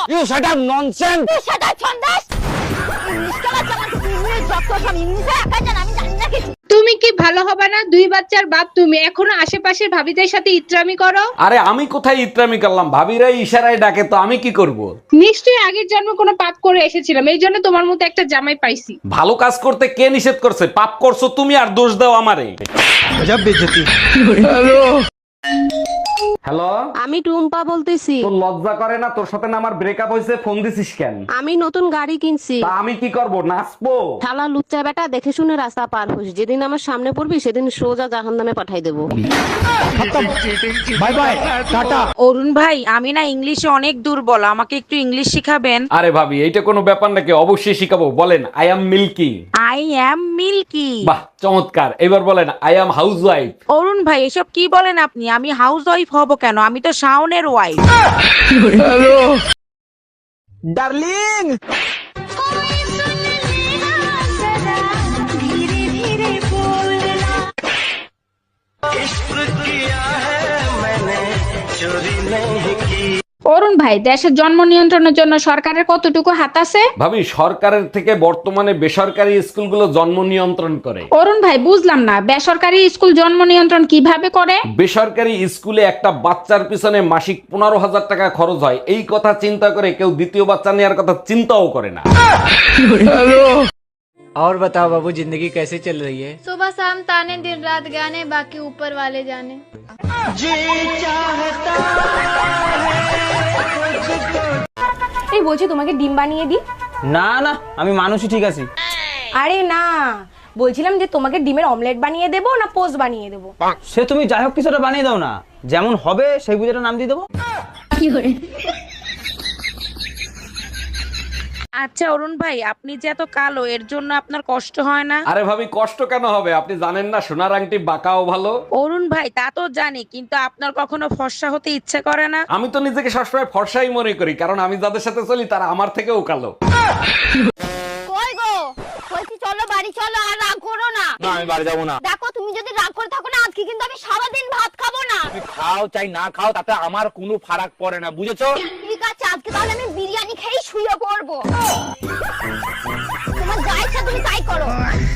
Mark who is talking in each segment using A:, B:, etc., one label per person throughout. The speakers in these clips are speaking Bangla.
A: You shut up nonsense.
B: তুই সেটা ছন্দাস ইংলিশ কেলা জানা তুই ইংলিশ যত সব ইংলিশে একা জানা আমি জানি না কিছু।
C: তুমি কি ভালো হবে না? 2 বাচ্চার বাপ তুমি, এখনো আশেপাশের ভাবিদের সাথে ইত্রামি করো।
D: আরে আমি কোথায় ইত্রামি করলাম, ভাবিরাই ইশারায় ডাকে, তো আমি কি করব?
C: নিশ্চয়ই আগের জন্ম কোনো পাপ করে এসেছিলাম, এই জন্য তোমার মতো একটা জামাই পাইছি।
D: ভালো কাজ করতে কে নিষেধ করছে? পাপ করছো তুমি আর দোষ দাও আমারে। হ্যালো,
E: আমি টুম্পা বলতেছি।
D: তোর লজ্জা করে না? তোর সাথে না আমার ব্রেকআপ হয়েছে, ফোন দিছিস কেন?
E: আমি নতুন গাড়ি কিনছি।
D: তা আমি কি করব, নাচবো?
E: শালা লুচ্চা বেটা, দেখে শুনে রাস্তা পার হোস, যেদিন আমার সামনে পড়বি সেদিন সোজা জাহান্নামে পাঠাই দেবো।
A: Bye bye tata.
F: অরুণ ভাই, আমি না ইংলিশে অনেক দুর্বল, আমাকে একটু ইংলিশ শিখাবেন?
D: আরে ভাবি, এইটা কোনো ব্যাপার নাকি? অবশ্যই শিখাবো। বলেন I am milky.
F: I am milky.
D: বাহ, চমৎকার। এবার বলেন আই অ্যাম হাউস ওয়াইফ।
F: অরুণ ভাই, এসব কি বলেন আপনি? আমি হাউস ওয়াইফ হব কেন? আমি তো শাওনের ওয়াইফ।
A: ডার্লিং।
C: অরুণ ভাই, দেশের জন্ম নিয়ন্ত্রণের জন্য সরকারের কতটুকু হাত আছে?
D: ভাবি, সরকারের থেকে বর্তমানে বেসরকারি স্কুলগুলো জন্ম নিয়ন্ত্রণ করে।
C: অরুণ ভাই, বুঝলাম না, বেসরকারি স্কুল জন্ম নিয়ন্ত্রণ কিভাবে করে?
D: বেসরকারি স্কুলে একটা বাচ্চার পিছনে মাসিক 15,000 টাকা খরচ হয়, এই কথা চিন্তা করে কেউ দ্বিতীয় বাচ্চা নেওয়ার কথা চিন্তাও করে না।
A: और बताओ बाबू, जिंदगी कैसी चल रही है?
G: सुबह शाम ताने दिन रात गाने बाकी ऊपर वाले जाने।
B: এই বলছি তোমাকে ডিম বানিয়ে দিই?
A: না না, আমি মানুষই ঠিক আছি।
B: আরে না, বলছিলাম যে তোমাকে ডিমের অমলেট বানিয়ে দেবো না পোস্ট বানিয়ে দেবো?
A: সে তুমি যাই হোক কিছুটা বানিয়ে দাও না, যেমন হবে সেই বুঝে নাম দিয়ে দেবো।
F: আচ্ছা অরুণ ভাই, আপনি যে এত কালো, এর জন্য আপনার কষ্ট হয় না?
D: আরে ভাবি, কষ্ট কেন হবে? আপনি জানেন না সোনার আংটি বাঁকাও ভালো?
F: অরুণ ভাই, তা তো জানি, কিন্তু আপনার কখনো ফর্সা হতে ইচ্ছে করে না?
D: আমি তো নিজেকে সবসময় ফর্সাই মনে করি, কারণ আমি যাদের সাথে চলি তারা আমার থেকেও কালো।
B: কই গো, বলছি চলো বাড়ি চলো, আর রাগ করো না।
A: না, আমি বাড়ি যাবো না।
B: দেখো তুমি যদি রাগ করে থাকো না, আজকে কিন্তু আমি সারাদিন ভাত খাবো না।
A: তুমি খাও চাই না খাও, তাতে আমার কোনো ফারাক পড়ে না, বুঝেছো?
B: ঠিক আছে, আজকে তাহলে আমি বিরিয়ানি খেয়েই শুয়ে পড়বো। তোমার যা ইচ্ছা তুমি তাই করো।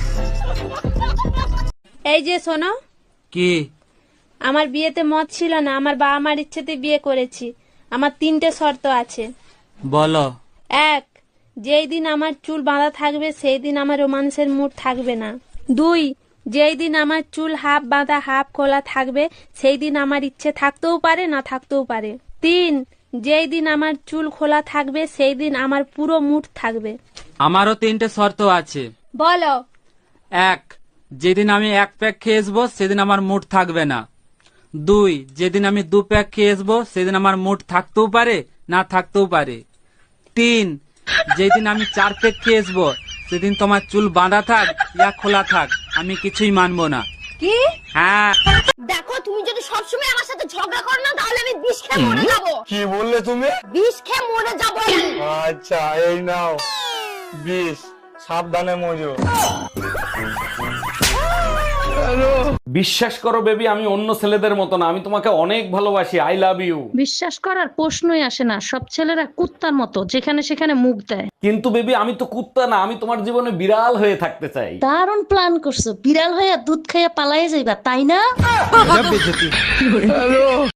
G: এই যে শোনো,
A: কি?
G: আমার বিয়েতে মত ছিল না, আমার বাবা মার ইচ্ছেতে বিয়ে করেছি। আমার 3টে শর্ত আছে।
A: বলো।
G: 1, যেই দিন আমার চুল বাঁধা থাকবে সেই দিন আমার রোমান্সের মুড থাকবে না। 2, যেই দিন আমার চুল হাফ বাঁধা হাফ খোলা থাকবে সেই দিন আমার ইচ্ছে থাকতেও পারে না থাকতেও পারে। 3, যেই দিন আমার চুল খোলা থাকবে সেই দিন আমার পুরো মুড থাকবে।
H: আমারও 3টে শর্ত আছে।
G: বলো।
H: 1, যেদিন আমি 1 প্যাক খেয়ে আসবো সেদিন আমার মুড থাকবে না। 2, যেদিন আমি 2 প্যাক খেয়ে আসবো সেদিন আমার মুড থাকতেও পারে না থাকতেও পারে। 3, যেদিন আমি 4 প্যাক খেয়ে আসবো সেদিন তোমার চুল বাঁধা থাক ইয়া খোলা থাক, আমি কিছুই মানবো না।
B: কি?
H: হ্যাঁ।
B: দেখো তুমি যদি সবসময় আমার সাথে ঝগড়া করো না, তাহলে আমি বিষ খেয়ে মরে যাবো।
A: কি বললে তুমি?
B: বিষ খেয়ে মরে যাবো।
A: আচ্ছা, এই নাও বিষ, সাবধানে মজো।
D: বিশ্বাস করো বেবি, আমি অন্য ছেলেদের মতো না, আমি তোমাকে অনেক ভালোবাসি। I love you.
I: বিশ্বাস করার প্রশ্নই আসে না, সব ছেলেরা কুত্তার মতো যেখানে সেখানে মুখ দেয়।
D: কিন্তু বেবি, আমি তো কুত্তা না, আমি তোমার জীবনে বিড়াল হয়ে থাকতে চাই।
I: দারুণ প্ল্যান করছো, বিড়াল হইয়া দুধ খাইয়া পালাইয়া যাইবা, তাই না?